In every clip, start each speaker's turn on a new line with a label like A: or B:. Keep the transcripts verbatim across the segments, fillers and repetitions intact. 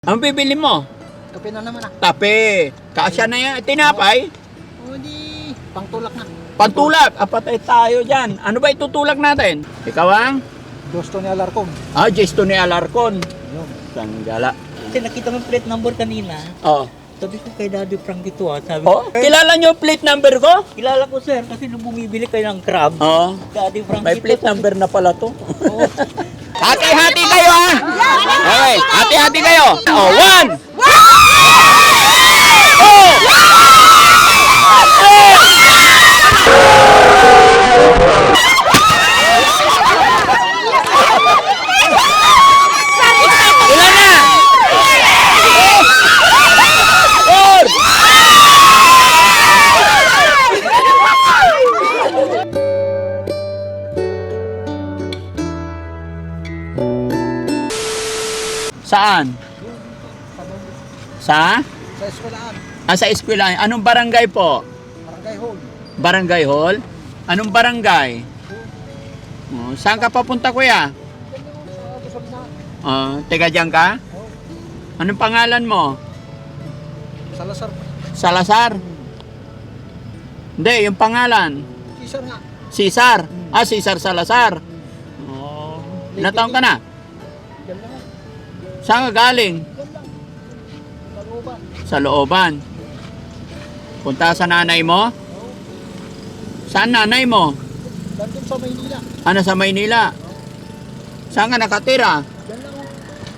A: Ang bibili mo?
B: Kape na naman ah.
A: Tape. Kasya na yan. Tinapay?
B: O di, pangtulak na.
A: Pantulak. Apatay tayo dyan. Ano ba itutulak natin? Ikaw ang?
B: Gusto ni Alarcon.
A: Ah, Jesto ni Alarcon.
B: Yun.
A: Sanggala.
C: Kasi nakita mo yung plate number kanina.
A: Oh.
C: Sabi ko kay Daddy Frank ito ah. Sabi
A: Oh,
C: ko,
A: kilala nyo yung plate number ko?
C: kilala ko sir kasi nung bumibili kayo ng crab.
A: Oh.
C: Daddy Frank
A: May
C: ito.
A: plate number na pala to.
C: Oo.
A: Hati-hati kayo ha! Okay, hati-hati kayo. Oh, one! Oh! Ilan na? Four! Saan? Sa?
B: Sa eskwelahan.
A: Ah, sa eskwela. Anong barangay po?
B: Barangay Hall.
A: Barangay Hall? Anong barangay? Oh, saan ka papunta, kuya?
B: Sa Luzon na.
A: Oh, teka dyan ka?
B: Oh,
A: Anong pangalan mo?
B: Salazar.
A: Salazar? Hindi, yung pangalan.
B: Cesar nga.
A: Cesar. Ah, Cesar Salazar. Oh. Ilang taon ka na?
B: Yan lang.
A: Saan ka galing?
B: Yan lang. Taluban.
A: Sa looban. Punta sa nanay mo?
B: Oh,
A: Saan nanay mo?
B: dandun sa Maynila.
A: Ano sa Maynila? Saan ka nakatira?
B: Yan lang. oh.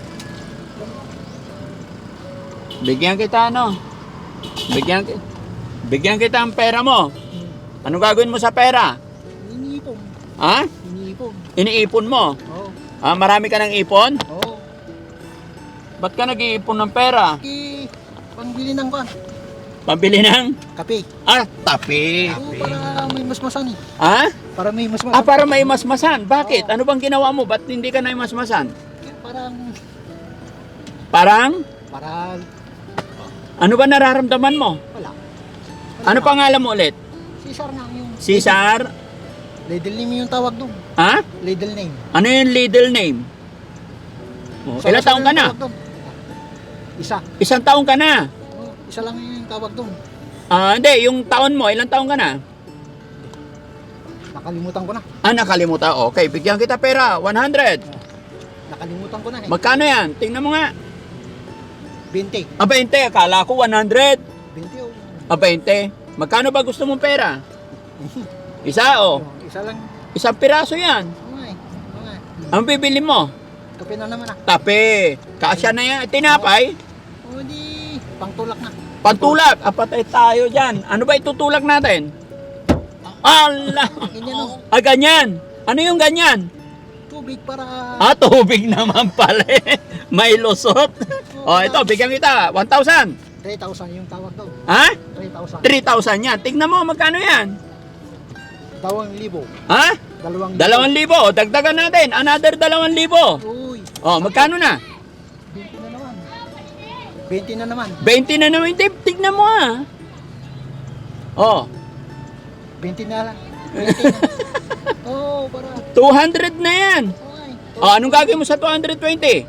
A: Bigyan kita ano? Bigyan, ki- bigyan kita ang pera mo. Ano gagawin mo sa pera?
B: Iniipon.
A: Ha?
B: Iniipon.
A: Iniipon mo?
B: Oo.
A: Ah, marami ka ng ipon?
B: Oo.
A: Ba't ka nag-iipon ng pera?
B: Ki, pangbili ng kwan.
A: Pambili ng?
B: Kape.
A: Ah, tapi.
B: Oo, para may masmasan eh.
A: Ha?
B: Para may masmasan.
A: Ah, para may masmasan. Bakit? Ano bang ginawa mo? Ba't hindi ka na masmasan?
B: Parang,
A: Parang?
B: para,
A: Ano ba nararamdaman mo?
B: wala.
A: Ano pangalan mo ulit?
B: Cesar nga yung.
A: Cesar?
B: Ladle name yung tawag doon.
A: Ha?
B: Ladle name.
A: Ano yung middle name? Oh,
B: Isa
A: ilang
B: lang
A: taong ka
B: yung
A: na?
B: tawag doon. Isa.
A: Isang taong ka na?
B: Oo, isa lang yung tawag doon.
A: Ah, hindi. Yung taon mo, ilang taong ka na?
B: Nakalimutan ko na.
A: Ah, nakalimutan. Okay, bigyan kita pera. one hundred.
B: Nakalimutan ko na eh.
A: Magkano yan? Tingnan mo nga.
B: twenty.
A: Ah, twenty. Akala ko one hundred.
B: twenty oh.
A: Ah, twenty. Magkano ba gusto mong pera? Isa o. Oh.
B: Oo, isa lang.
A: Isang piraso yan.
B: Oo nga eh. Oo nga eh.
A: Ang bibili mo?
B: Kape na naman ah.
A: Tape. Kasya na yan. Tinapay?
B: O di, pangtulak na.
A: Pantulak. Apatay tayo dyan. Ano ba itutulak natin? Allah!
B: Ganyan oh.
A: Ah, ganyan. Ano yung ganyan?
B: Tubig para.
A: Ah, tubig naman pala eh. May lusot. Oh, ito, bigyan kita. one thousand.
B: three thousand yung tawag doon.
A: Ha?
B: three thousand.
A: three thousand yan. Tignan mo, magkano yan?
B: Dalawang libo.
A: Ha?
B: Dalawang libo.
A: Dalawang libo. Dagdagan natin. Another dalawang libo.
B: Uy,
A: Oh, magkano na?
B: twenty na naman. twenty na naman.
A: twenty na naman. Tig- Tignan mo ah. Oh,
B: twenty na lang. twenty na. Oo, para.
A: two hundred na yan.
B: Okay.
A: Oh, anong gagawin mo sa two hundred twenty?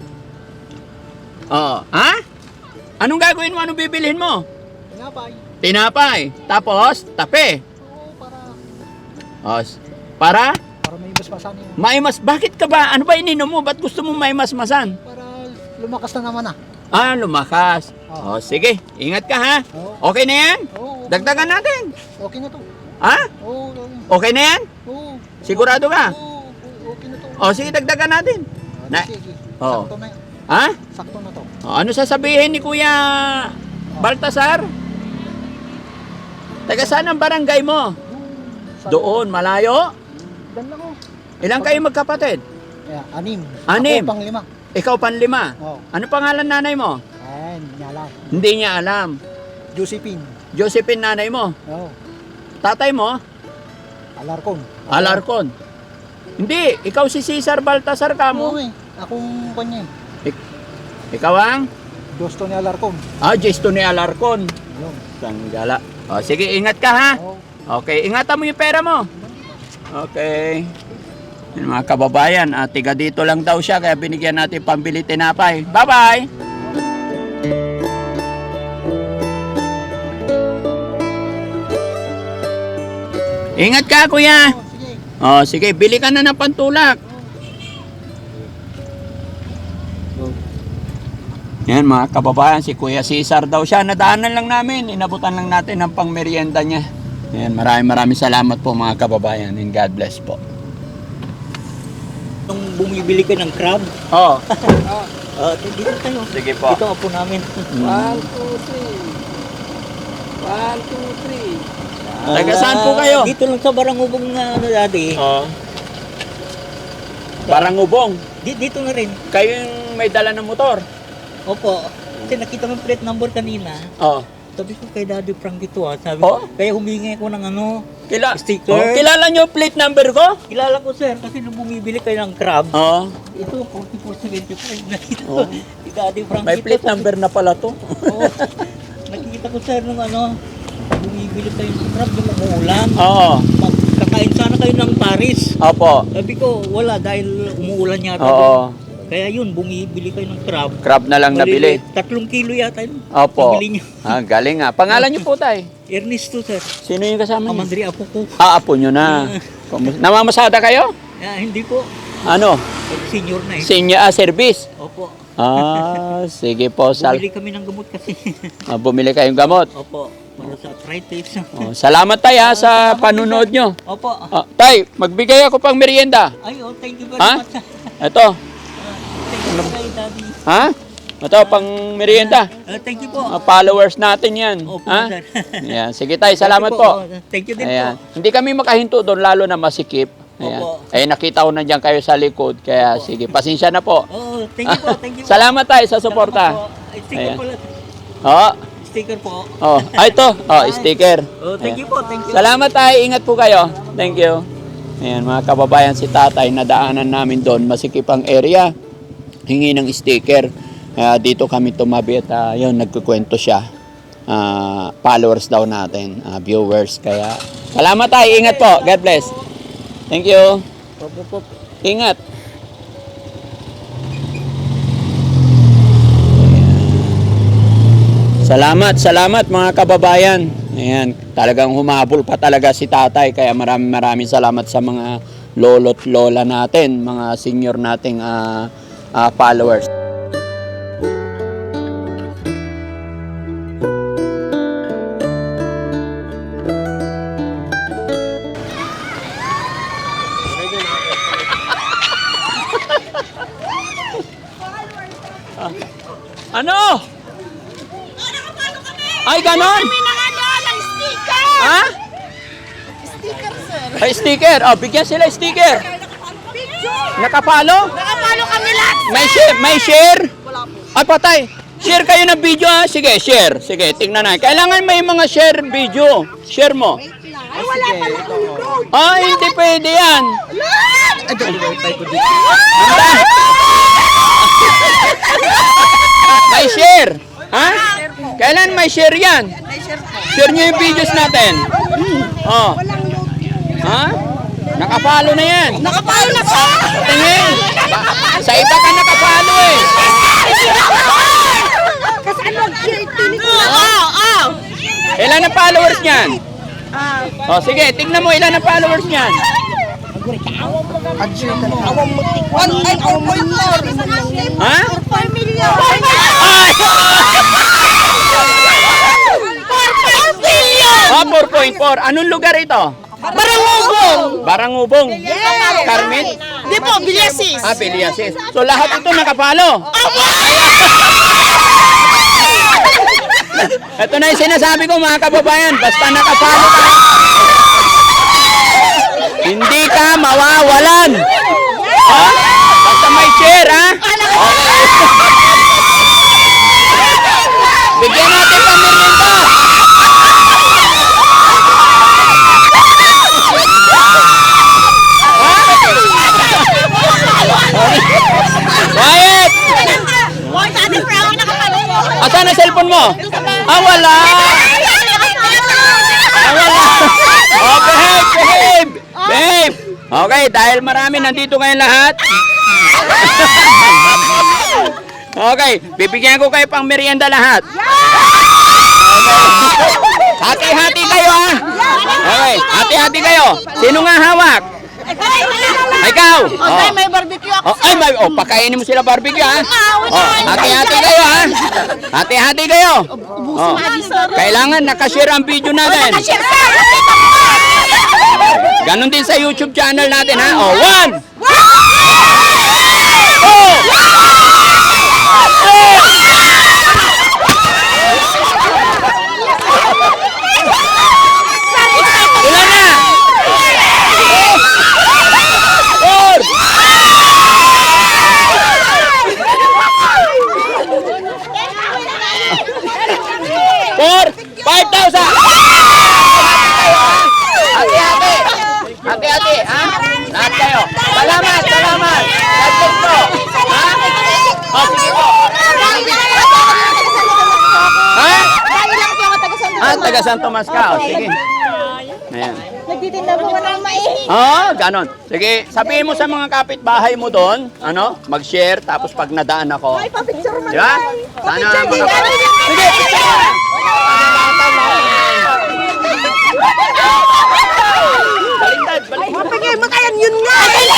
A: Oh, ha? Anong gagawin mo? Anong bibilhin mo?
B: Tinapay.
A: Tinapay. Tapos, tape.
B: Oo, para.
A: Oh, s- para?
B: Para may basbasan yun.
A: Maimas. Bakit ka ba? Ano ba ininom mo? Ba't gusto mo maimasmasan?
B: Para lumakas na naman ah.
A: Ah, lumakas.
B: Oh.
A: Oh, sige. Ingat ka ha.
B: Oo.
A: Okay na yan?
B: Oo.
A: Dagdagan natin.
B: Okay na to.
A: Ha?
B: Oo. oo.
A: Okay na yan?
B: Oo.
A: Sigurado ka?
B: Oo. oo, Okay na to.
A: Oh, sige, dagdagan natin.
B: Ah,
A: Na-
B: sige.
A: Oo.
B: Sakto na yan.
A: Ha?
B: Sakto na to.
A: Oh, ano sasabihin ni Kuya Baltasar? Taga saan ang barangay mo?
B: Sa-
A: Doon, malayo?
B: Dan lang oh.
A: Ilang kayo magkapatid?
B: Yeah, anim.
A: Anim.
B: Ako pang lima.
A: Ikaw panlima.
B: Oh.
A: Ano pangalan nanay mo?
B: Ayan, nyala.
A: Hindi niya alam.
B: Josephine.
A: Josephine nanay mo.
B: Oo.
A: Tatay mo?
B: Alarcon.
A: Alarcon. Hindi, ikaw si Cesar Baltasar ka
B: Oo
A: mo.
B: eh. Akong kanya eh.
A: Ikaw ang?
B: Gusto ni Alarcon.
A: Ah, Jesto ni Alarcon.
B: Yun.
A: Sanggala. O, sige, ingat ka ha.
B: Oo.
A: Okay, ingatan mo yung pera mo. Okay. Yung mga kababayan, ah, tiga dito lang daw siya, kaya binigyan natin pambili tinapay. Bye-bye! Ingat ka, kuya.
B: Oh, sige.
A: Oh, sige, bili ka na ng pantulak. Yan mga kababayan, si Kuya Cesar daw siya. Nadaanan lang namin, inabutan lang natin ang pangmerienda niya. Yan, maraming maraming salamat po mga kababayan and God bless po.
C: Nung bumibili ka ng crab,
A: Oh,
C: uh, dito tayo.
A: sige po.
C: Dito apo namin.
B: One, two, three. One, two, three.
A: Taga saan po kayo?
C: Dito lang sa Barangubong na ano dati.
A: Oh. Parang ubong.
C: Di, dito na rin.
A: Kayo yung may dala ng motor.
C: Opo. Kasi nakita ko yung plate number kanina.
A: Oh.
C: Sabi ko kay Daddy Frank ito ah. Sabi
A: Oh?
C: ko, kaya humingi ako ng ano,
A: Kila
C: Sticker.
A: Oh, kilala niyo yung plate number ko?
C: kilala ko sir kasi nung bumibili kayo ng crab,
A: Oh.
C: ito forty-four seventy-five nakita
A: Oh.
C: ko. Si Daddy Frank
A: May
C: ito,
A: plate
C: sabi-
A: number na pala to.
C: Oo. Nakikita ko sir nung ano, bumibili kayo ng crab nung umuulan.
A: Oo.
C: Kakain sana kayo ng Paris.
A: Opo.
C: Sabi ko, wala dahil umuulan yata.
A: Oo.
C: Kaya yun, bumibili kayo ng crab.
A: Crab na lang nabili.
C: Maliliit. Tatlong kilo yata yun.
A: Opo.
C: Nabili niyo.
A: Ah, galing nga. Pangalan niyo po, tay?
C: Ernesto sir.
A: Sino yung kasama niyo?
C: Amandri apo ko.
A: Ah, apo niyo na. Kumus- Namamasada kayo?
C: Ah, hindi po.
A: Ano?
C: Senior na eh.
A: Senior ah, service?
C: Opo.
A: Ah, sige po. Sal
C: Bumili kami ng gamot kasi.
A: ah, bumili kayong gamot.
C: Opo. Para sa arthritis.
A: Oh, salamat tay ha, sa panunood nyo.
C: Opo.
A: Ah, tay, magbigay ako pang merienda.
C: Ay, oh, thank you very
A: Ha?
C: much.
A: Ito.
C: Thank you kay Daddy.
A: Ha? Ito, pang merienda.
C: Ah, thank you po.
A: Ah, followers natin yan.
C: Opo,
A: Ha?
C: sir.
A: Ayan. Sige tay, salamat
C: Thank you
A: po.
C: Oh, Thank you din
A: Ayan.
C: po.
A: Hindi kami makahinto doon, lalo na masikip. Ayan.
C: Opo.
A: Eh, nakita ko na dyan kayo sa likod. Kaya sige, pasensya na po.
C: Oh, thank you po. Thank you po.
A: Salamat tayo sa
C: Salamat
A: suporta.
C: po. Ay, sticker
A: Ayan.
C: pala.
A: Oo.
C: Sticker po.
A: Oh, ah, ito. Oh, sticker.
C: Oh, thank you po. Thank you.
A: Salamat tayo. Ingat po kayo. Thank you. Ayan, mga kababayan, si tatay, nadaanan namin doon. Masikip ang area. Hingi ng sticker. Kaya dito kami tumabi at uh, yun, nagkukwento siya. Ah, followers daw natin, ah, viewers. Kaya, salamat tayo. Ingat po. God bless. Thank you.
C: Pop, pop, pop.
A: Ingat. Salamat, salamat mga kababayan. Ayan, talagang humabol pa talaga si tatay. Kaya maraming maraming salamat sa mga lolo't lola natin, mga senior nating ah, ah, followers. Ano? Ay, ganon?
D: Kami ng ano, ng sticker!
A: Ha?
D: Sticker, sir.
A: Ay, sticker. Oh, bigyan sila sticker.
D: Picture!
A: Nakapalo?
D: Nakapalo kami lahat, sir!
A: May share? May share?
D: Wala po.
A: Ay, patay. Share kayo ng video ha. Sige, share. Sige, tingnan na. Kailangan may mga share video. Share mo.
D: Ay, wala pa lang ulo.
A: Ah, hindi pwede yan. May share. Ha? Kailan may share yan? Share nyo yung videos natin. Oh. Ha? Nakapalo na yan.
D: Nakapalo na po!
A: Tingin. Ba- sa iba ka nakapalo eh.
D: Kasi ano, tinig ko na. Oo, oo.
A: Ilan ang followers niyan? Oh, sige, tignan mo ilan ang followers niyan.
D: One, ay, four point four.
A: Ha?
D: four million.
A: Ay!
D: four point billion.
A: Oh, four point four. Anong lugar ito?
D: Barangubong.
A: Barangubong. Carmen?
D: Di po, Biliasis.
A: Ah, Piliasis. So lahat ito nakapalo. Ito na yung sinasabi ko mga kababayan. Basta nakapalo ka. Hindi ka mawawalan. Ha? Basta may share, ha? Okay. Bigyan natin pang merienda. Quiet!
D: Why, Daddy Frank, nakapalo po.
A: Asan ang cellphone mo? Ah, wala! Ah, wala! Oh, behave! Behave! Behave! Okay, dahil marami nandito ngayon lahat. Okay, bibigyan ko kayo pang merienda lahat. Okay. Hati-hati kayo ha. Okay, hati-hati kayo. Sino nga hawak? Ikaw. Oh.
D: May barbecue ako.
A: Oh, ay, may, oh, pakainin mo sila barbecue ha. Oh, hati-hati kayo ha. Hati-hati kayo. Oh. Kailangan nakashare ang video natin. Ganon din sa YouTube channel natin ha. Oh, one. Oh. Ilan na? Four. Four. Five thousand. Hati-hati. Hati-hati, ha? Lahat kayo. Salamat, salamat. God bless po. Ha? Oh, sige po. Ha? Ah, taga San Tomas ka. Oh, sige. Ayan.
D: Nagtitinda po ka ng mais.
A: Oh, ganon. Sige, sabihin mo sa mga kapitbahay mo doon, ano, mag-share, tapos pag nadaan ako.
D: Ay, papicture mo
A: Di ba? Sana makapag... Sige, picture! Baliktad, baliktad.
D: Mapagay mo kayan, yun nga.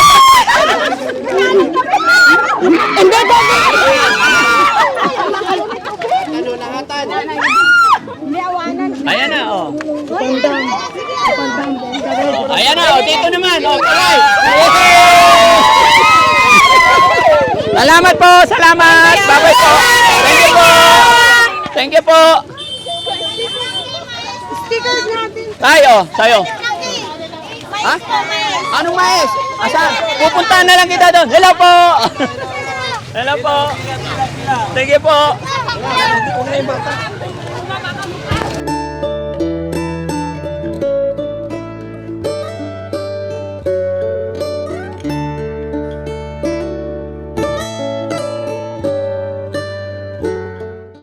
D: Hindi, baby.
A: Ayan na, oh. Oh, ayan na, oh. Dito naman, oh. Palay. Salamat po, salamat. Bye-bye po. Thank you po. Thank you po.
D: Stickers natin.
A: Tayo, tayo. Ha? Anong mais? Asan? Pupunta na lang kita doon. Hello po. Hello po. Thank you po.